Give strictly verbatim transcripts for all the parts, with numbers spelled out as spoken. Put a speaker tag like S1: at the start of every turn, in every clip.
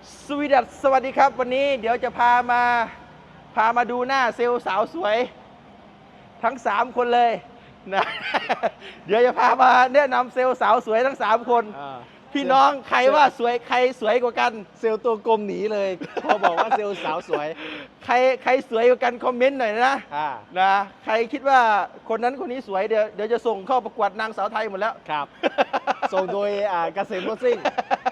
S1: สวีดัสสวัสดีครับวันนี้เดี๋ยวจะพามาพามาดูหน้าเซลล์สาวสวยทั้งสามคนเลยนะเดี๋ยวจะพามาแนะนำเซลล์สาวสวยทั้งสามคนพี่น้องใครว่าสวยใครสวยกว่ากัน
S2: เซลล์ตัวกลมหนีเลยพอบอกว่าเซลล์สาวสวย
S1: ใครใครสวยกว่ากันคอมเมนต์หน่อยนะนะใครคิดว่าคนนั้นคนนี้สวยเดี๋ยวเดี๋ยวจะส่งเข้าประกวดนางสาวไทยหมดแล้ว
S2: ครับ ส่งโดยเกษมรถซิ่ง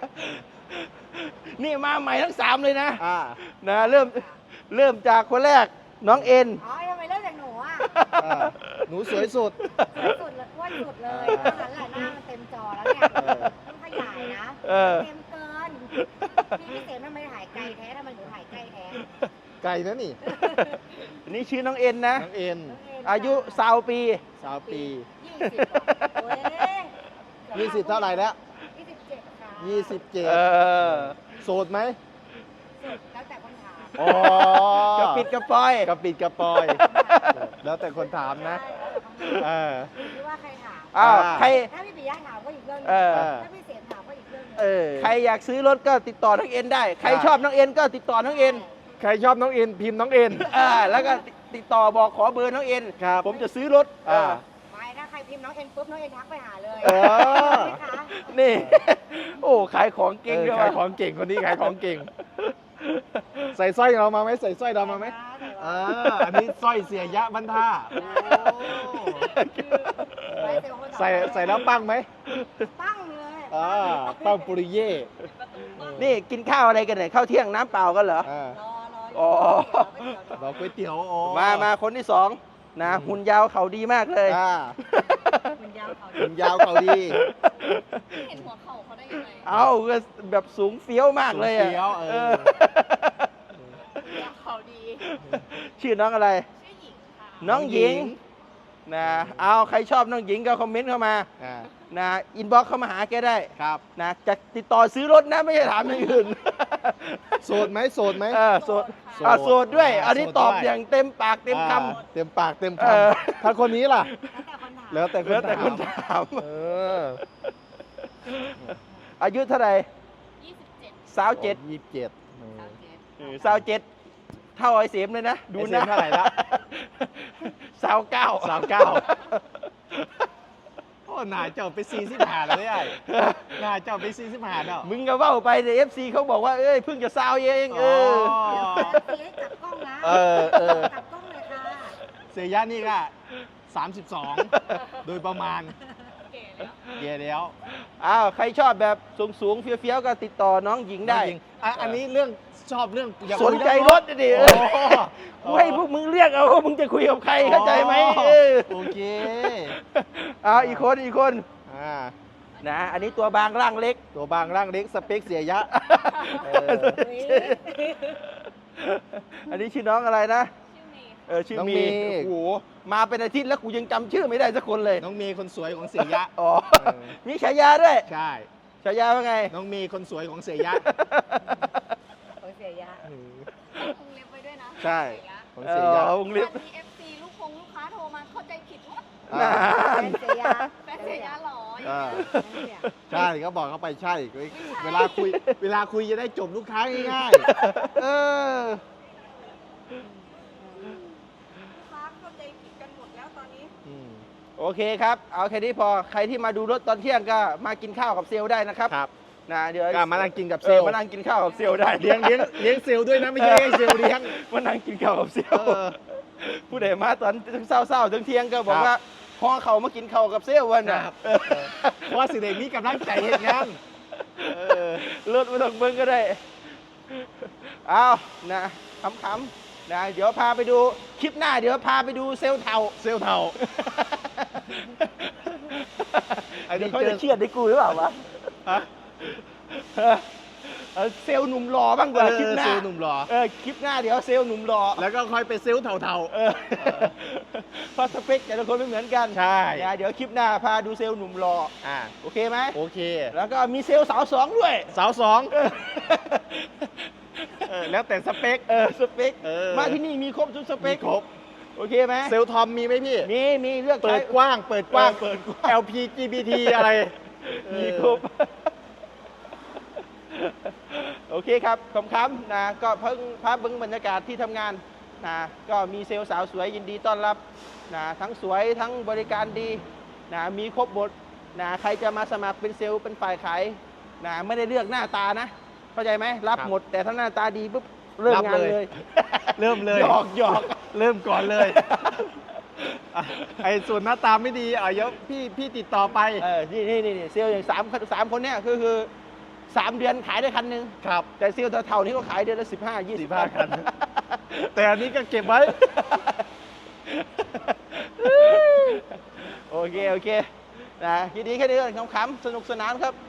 S1: นี่มาใหม่ทั้งสามเลยนะ
S2: อ่า
S1: นะเริ่มเริ่มจากคนแรกน้องเอ็น
S3: อ๋อทำไมเริ่มจากหนูอ่ะ
S2: หนูสวยสุด
S3: สวยสุดเลยอ้วนสุดเลยตอนนั้นแหละหน้ามันเต็มจอแล้วเนี่ยต้องขยายนะเต็มเกินพี่พี่เสมทำไมถ่ายไกลแท้ทำไมหนูถ่ายใกล้แท้
S2: ไกลนะนี่
S1: อันนี้ชื่อน้องเอ็นนะ
S2: น้องเอ็น
S1: อายุสาวปี
S2: สาวปี
S3: ยี่สิบโอ้ย
S2: ยี่สิบเท่าไหร่แล้ว
S3: ยี่สิบเจ็ดค่ะ
S2: ยี่สิบเจ็ดโสดไหม
S3: แล้วแต่คนถาม
S2: อ๋อก
S1: ระปิดกระปอย
S2: กระปิดกระปอยแล้วแต่คนถามนะ
S3: เออคิดว่าใครถาม
S1: อ้าวใคร
S3: ถ้าพี่ปิยะถามก็อีกเรื่องนึงถ้าพี่เสมถามก็อีกเรื่องนึง
S1: เออใครอยากซื้อรถก็ติดต่อน้องเอ็นได้ใครชอบน้องเอ็นก็ติดต่อน้องเอ็น
S2: ใครชอบน้องเอ็นพิมพ์น้องเอ็น
S1: อ่าแล้วก็ติดต่อบอกขอเบอร์น้องเอ็นผมจะซื้อรถอ่า
S3: ไม่ถ้าใครพิมพ์น้องเอ็นปุ๊บน้องเอ็นทักไปหาเลย
S1: เออนี่โอ้ขายของเก่งด้วย
S2: ขายของเก่งคนนี้ขายของเก่งใส่สร้อยเรามาไหมใส่สร้อยเรามาไหมอ่าอันนี้สร้อยเสียยะบรรท่าใส่ใส่แล้วปั้งไหม
S3: ปั้งเลย
S2: อ่าปั้งปุริเย่
S1: นี่กินข้าวอะไรกันเนี่ยข้าวเที่ยงน้ำเปล่ากันเหรอ
S3: รอร
S1: อ
S2: รอก๋วยเตี๋ยว
S1: มามาคนที่สองนะหุ่นยาวเขาดีมากเลย
S3: หุ่นยาวเขา
S2: หุ่นยาวเขาดี
S3: เห็นหัวเข่าเขาได้ยังไง
S1: เอาแบบสูงเฟี้ยวมากเลยอ่ะ
S3: เขาดี
S1: ชื่อน้องอะไร
S3: ชื่อหญิงค่ะ
S1: น้องหญิงนะเอาใครชอบน้องหญิงก็คอมเมนต์เข้ามานะอินบ็อกซ์เข้ามาหาแกได้
S2: ครับ
S1: นะจะติดต่อซื้อรถนะไม่ใช่ถามอย่างอื่น
S2: โสดไหมโสดไหม
S1: เออโสดอ่ะโสดด้วยอันนี้ตอบอย่างเต็มปากเต็มค
S2: ำเต็มปากเต็มคำถ้าคนนี้ล่ะแล้วแต่
S1: แล้วแต่คนถาม
S2: เออ
S1: อายุเท่าไหร่
S3: ยี่สิบเจ็ด
S1: สาวเจ็ด
S2: ยี่สิบเจ็ด
S1: สาวเจ็ดเท่าไอ้เสียมเลยนะ
S2: ดูนะเท่าไหร่ละ
S1: สาวเก้า
S2: สาวเก้าโอ้หนาเจ้าไปซีสิบหาแล้วได้หนาเจ้าไปซีสิบหาแล้ว
S1: มึงก็เว้าไปแต่เอฟซีเขาบอกว่าเอ้ยเพิ่งจะสาวเองเออ
S3: จับกล้องนะ
S2: เออเออ
S3: จับกล้องเลยค่ะ
S2: เสียยะนี่ก็สามสิบสองโดยประมาณเย่แล้ว
S1: อ้าวใครชอบแบบสูงสูงเฟี้ยวๆก็ติดต่อน้องหญิงได้
S2: อันนี้เรื่องชอบเรื่อง
S1: สนใจรถดิกูให้พวกมึงเรียกเอาว่ามึงจะคุยกับใครเข้าใจไหม
S2: โอเค
S1: อ้าวอีกคนอีกคนนะอันนี้ตัวบางร่างเล็ก
S2: ตัวบางร่างเล็กสเปคเสียยะ
S1: อันนี้ชื่อน้องอะไรนะเออชื่อมีโอ้โหมาเป็นอาทิตย์แล้วกูยังจำชื่อไม่ได้สักคนเลย
S2: น้องมีคนสวยของเสียยะ
S1: อ๋อมีฉายาด้วย
S2: ใช่
S1: ฉายาว่าไง
S2: น้องมีคนสวยของเสียยะ
S3: ของเสียยะวงเล็บไปด้วยนะ
S2: ใช่ของเสียยะ
S1: วงเล็บ
S3: มีเอฟซีลูกคงลูกค้าโทรมาเข้าใจผิดว่า
S1: แฟ
S3: นเสียยะแฟนเสียยะหรอ
S2: ใช่เขาบอกเขาไปใช่เวลาคุยเวลาคุยจะได้จบลูกค้าง่ายๆเออ
S1: โอเคครับเอาแค่นี้พอใครที่มาดูรถตอนเที่ยงก็มากินข้าวกับเซลล์ได้นะครับ
S2: ครับ
S1: นะเดี๋ยว
S2: มานั่งกินกับเซลล์
S1: มานั่งกินข้าวกับเซลล์ได้
S2: เลี้ยงเลี้ยงเลี้ยงเซลล์ด้วยนะไม่ใช่เซลล์เลี้ยง
S1: มานั่งกินข้าวกับเซลล์ผู้ใดมาตอนเศร้าๆถึงเที่ยงก็บอกว่าพอเขามากินข้าวกับเซลล์วันน่ะ
S2: ว่าสิเด็กนี้กำลังใจเห็นงาน
S1: รถไม่ต้องเบิ้งก็ได้เอานะขำๆนะเดี๋ยวพาไปดูคลิปหน้าเดี๋ยวพาไปดูเซลล์เทา
S2: เซลล์เทา
S1: ไอ้นี่เขาจะเชื่อได้กูหรือเปล่าวะเซลล์หนุ่มหล่อบ้างกว่าคลิปหน้า
S2: เซลล์หนุ่มหล่อ
S1: เออคลิปหน้าเดี๋ยวเซลล์หนุ่มหล่อ
S2: แล้วก็ค่อยไปเซลล์เทา
S1: ๆเพราะสเปคแต่ละคนไม่เหมือนกัน
S2: ใช่
S1: เดี๋ยวคลิปหน้าพาดูเซลล์หนุ่มหล่อ
S2: อ่า
S1: โอเคไหม
S2: โอเค
S1: แล้วก็มีเซลล์สาวสองด้วย
S2: สาวสองแล้วแต่สเปค
S1: เออสเปคมาที่นี่มีครบทุกสเปค
S2: ครบ
S1: โอเคไหม
S2: เซลล์ทอมมีไหมพี่
S1: มีมีเลือก
S2: เปิดกว้างเปิดกว้าง
S1: เปิด
S2: แอล พี จี บี ที อะไร
S1: มีครบโอโอเคครับขอบคุณนะก็เพิ่งภาพเบิ้งบรรยากาศที่ทำงานนะก็มีเซลล์สาวสวยยินดีต้อนรับนะทั้งสวยทั้งบริการดีนะมีครบหมดนะใครจะมาสมัครเป็นเซลล์เป็นฝ่ายขายนะไม่ได้เลือกหน้าตานะเข้าใจไหมรับหมดแต่ถ้าหน้าตาดีปุ๊บเริ่มงานเลย
S2: เริ่มเลย
S1: หยอกหยอก
S2: เริ่มก่อนเลย อ่ะไอ้ส่วนหน้าตาไม่ดีอ่ะเดี๋ยวพี่พี่ติดต่อไป
S1: เออนี่นี่นี่เซลล์อย่างสามสามคนเนี้ยคือคือสามเดือนขายได้คันหนึง
S2: ครับ
S1: แต่เซลล์เท่าๆนี้ก็ขายเดือนละสิบห้ายี่สิ
S2: สิ
S1: บบ
S2: ห้าคัน แต่อันนี้ก็เก็บไว้
S1: โอเค โอเคนะยินดีแค่นี้ก่อนขำๆสนุกสนานครับ